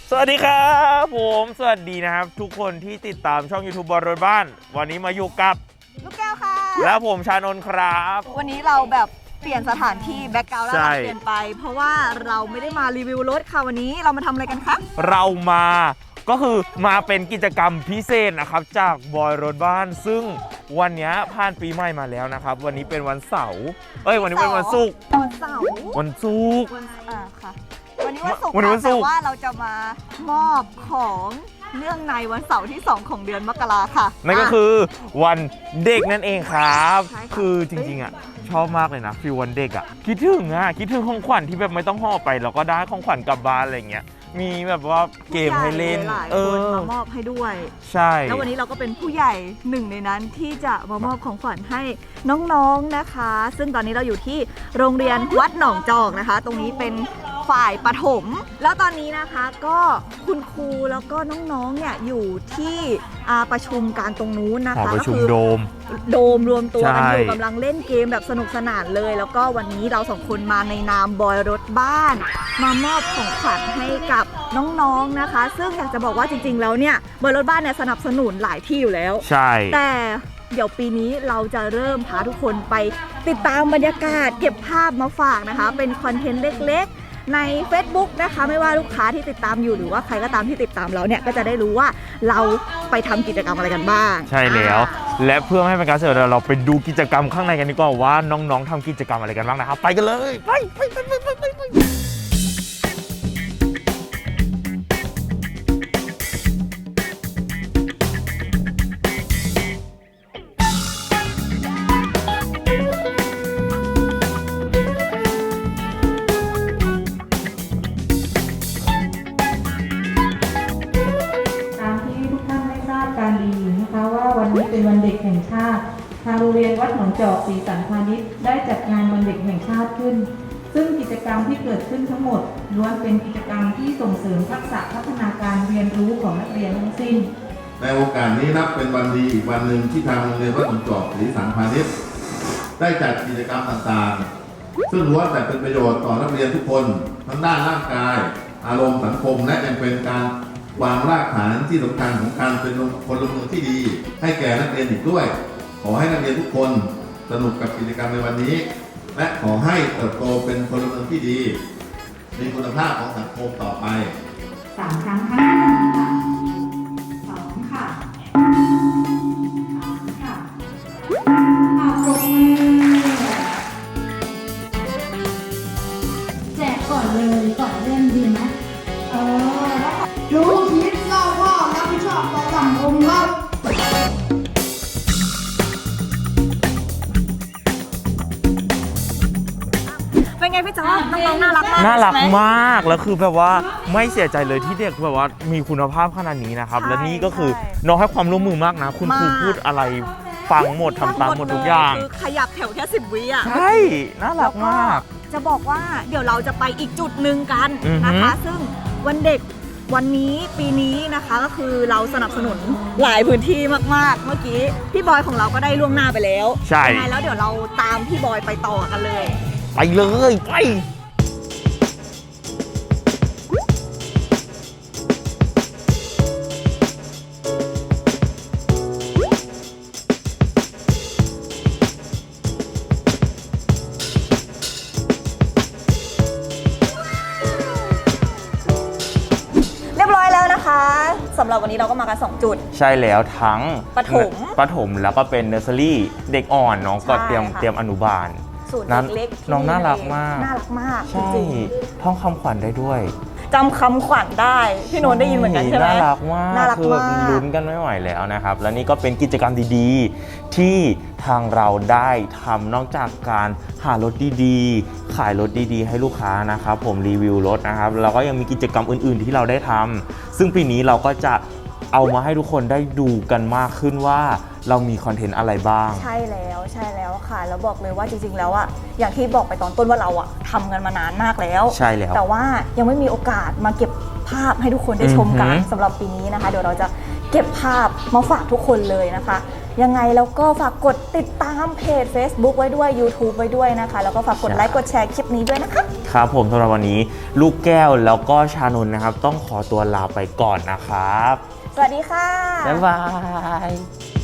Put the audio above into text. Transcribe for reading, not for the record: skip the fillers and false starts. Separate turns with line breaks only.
สวัสดีครับผมสวัสดีนะครับทุกคนที่ติดตามช่อง YouTube บอลรถบ้านวันนี้มาอยู่กับ
ลูกแก้วค่ะ
แล้วผมชานนท์ครับ
วันนี้เราแบบเปลี่ยนสถานที่แบ็คกราวด์แล้วเราเปลี่ยนไปเพราะว่าเราไม่ได้มารีวิวรถค่ะวันนี้เรามาทำอะไรกันคะ
เรามาก็คือมาเป็นกิจกรรมพิเศษนะครับจากบอยรถบ้านซึ่งวันนี้ผ่านปีใหม่มาแล้วนะครับวันนี้เป็นวันเสาร์วันนี้เป็นวันศุกร์
วันเสาร์
วันศุกร์
ค่ะวันนี้วันศุกร์แต่ว่าเราจะมามอบของเนื่องในวันเสาร์ที่2ของเดือนมกราค่ะ
นั่นก็คือวันเด็กนั่นเองครับคือจริงๆชอบมากเลยนะฟีลวันเด็กคิดถึงของขวัญที่แบบไม่ต้องห่อไปแล้วก็ได้ของขวัญกลับบ้านอะไรเงี้ยมีแบบว่าเกมให้เล่น
มามอบให้ด้วย
ใช่
แล้ววันนี้เราก็เป็นผู้ใหญ่หนึ่งในนั้นที่จะมามอบของขวัญให้น้องๆนะคะซึ่งตอนนี้เราอยู่ที่โรงเรียนวัดหนองจอกนะคะตรงนี้เป็นฝ่ายประถมแล้วตอนนี้นะคะก็คุณครูแล้วก็น้องๆเนี่ยอยู่ที่ประชุมการตรงนู้นนะคะ
ประชุมโดม
รวมตัวกันอยู่กำลังเล่นเกมแบบสนุกสนานเลยแล้วก็วันนี้เรา2คนมาในนามบอยรถบ้านมามอบของขวัญให้กับน้องๆนะคะซึ่งอยากจะบอกว่าจริงๆแล้วเนี่ยบอยรถบ้านเนี่ยสนับสนุนหลายที่อยู่แล้ว
ใช่
แต่เดี๋ยวปีนี้เราจะเริ่มพาทุกคนไปติดตามบรรยากาศเก็บภาพมาฝากนะคะเป็นคอนเทนต์เล็กๆใน Facebook นะคะไม่ว่าลูกค้าที่ติดตามอยู่หรือว่าใครก็ตามที่ติดตามเราเนี่ยก็จะได้รู้ว่าเราไปทำกิจกรรมอะไรกันบ้าง
ใช่แล้วและเพื่อไม่ให้เป็นการเสียเวลาเราไปดูกิจกรรมข้างในกันดีกว่าว่าน้องๆทำกิจกรรมอะไรกันบ้างนะครับไปกันเลยไป
เป็นวันเด็กแห่งชาติทางโรงเรียนวัดหนองจอกศรีสันพาณิชย์ได้จัดงานวันเด็กแห่งชาติขึ้นซึ่งกิจกรรมที่เกิดขึ้นทั้งหมดล้วนเป็นกิจกรรมที่ส่งเสริมทักษะพัฒนาการเรียนรู้ของนักเรียนทั้งสิ้น
ในโอกาสนี้นับเป็นวันดีอีกวันหนึ่งที่ทางโรงเรียนวัดหนองจอกศรีสันพาณิชย์ได้จัดกิจกรรมต่างๆซึ่งล้วนแต่เป็นประโยชน์ต่อนักเรียนทุกคนทั้งด้านร่างกายอารมณ์สังคมและยังเป็นการวางรากฐานที่สำคัญของการเป็นพลเมืองที่ดีให้แก่นักเรียนอีกด้วยขอให้นักเรียนทุกคนสนุกกับกิจกรรมในวันนี้และขอให้เติบโตเป็นพลเมืองที่ดีมีคุณภาพของสังคมต่อไป
3 ครั้งข้างหน้า2 ค่ะ3 ค่ะปรบมือแจกก่อนเลยก่อนเล่นดีไหม
รู้คิดเล่าว่ารับผิดชอบต่อสังคมครับ
เป็นไงพี่จ๊อบน้องๆน่ารักมาก
น่ารักมากแล้วคือแบบว่าไม่เสียใจเลยที่เด็กแบบว่ามีคุณภาพขนาดนี้นะครับและนี่ก็คือน้องให้ความร่วมมือมากนะคุณครูพูดอะไรฟังหมดทำตามหมดทุกอย่าง
คือขยับแถวแค่10 วิ
ใช่น่ารักมาก
จะบอกว่าเดี๋ยวเราจะไปอีกจุดหนึ่งกันนะคะซึ่งวันเด็กวันนี้ปีนี้นะคะก็คือเราสนับสนุนหลายพื้นที่มากๆเมื่อกี้พี่บอยของเราก็ได้ล่วงหน้าไปแล้ว
ใช่
ยังไงแล้วเดี๋ยวเราตามพี่บอยไปต่อกันเลย
ไปเลยไป
สำหรับวันนี้เราก็มากัน2จุด
ใช่แล้วทั้ง
ประ
ถมแล้วก็เป็นเนอร์เซอรี่เด็กอ่อนน้องก็เตรียมอนุบาล
ศูนย์เล็ก
น้องน่ารักมาก
จริง
ท่องคำขวัญได้ด้วย
จำคำขวัญได้พี่โน้ตได้ยินเหมือนกันใช่ไหม
น่ารักมากคือแบบลุ้นกันไม่ไหวแล้วนะครับและนี่ก็เป็นกิจกรรมดีๆที่ทางเราได้ทำนอกจากการหารถดีๆขายรถดีๆให้ลูกค้านะครับผมรีวิวรถนะครับเราก็ยังมีกิจกรรมอื่นๆที่เราได้ทำซึ่งปีนี้เราก็จะเอามาให้ทุกคนได้ดูกันมากขึ้นว่าเรามีคอนเทนต์อะไรบ้าง
ใช่แล้วค่ะแล้วบอกเลยว่าจริงๆแล้วอะอย่างที่บอกไปตอนต้นว่าเราอะทำกันมานานมากแล้ว
ใช่แล้ว
แต่ว่ายังไม่มีโอกาสมาเก็บภาพให้ทุกคนได้ชมกันสำหรับปีนี้นะคะเดี๋ยวเราจะเก็บภาพมาฝากทุกคนเลยนะคะยังไงแล้วก็ฝากกดติดตามเพจ Facebook ไว้ด้วย YouTube ไว้ด้วยนะคะแล้วก็ฝากกดไลค์กดแชร์คลิปนี้ด้วยนะคะ
คครับผมสำหรับวันนี้ลูกแก้วแล้วก็ชานนท์นะครับต้องขอตัวลาไปก่อนนะครับ
สวัสดีค่ะ
บ๊ายบาย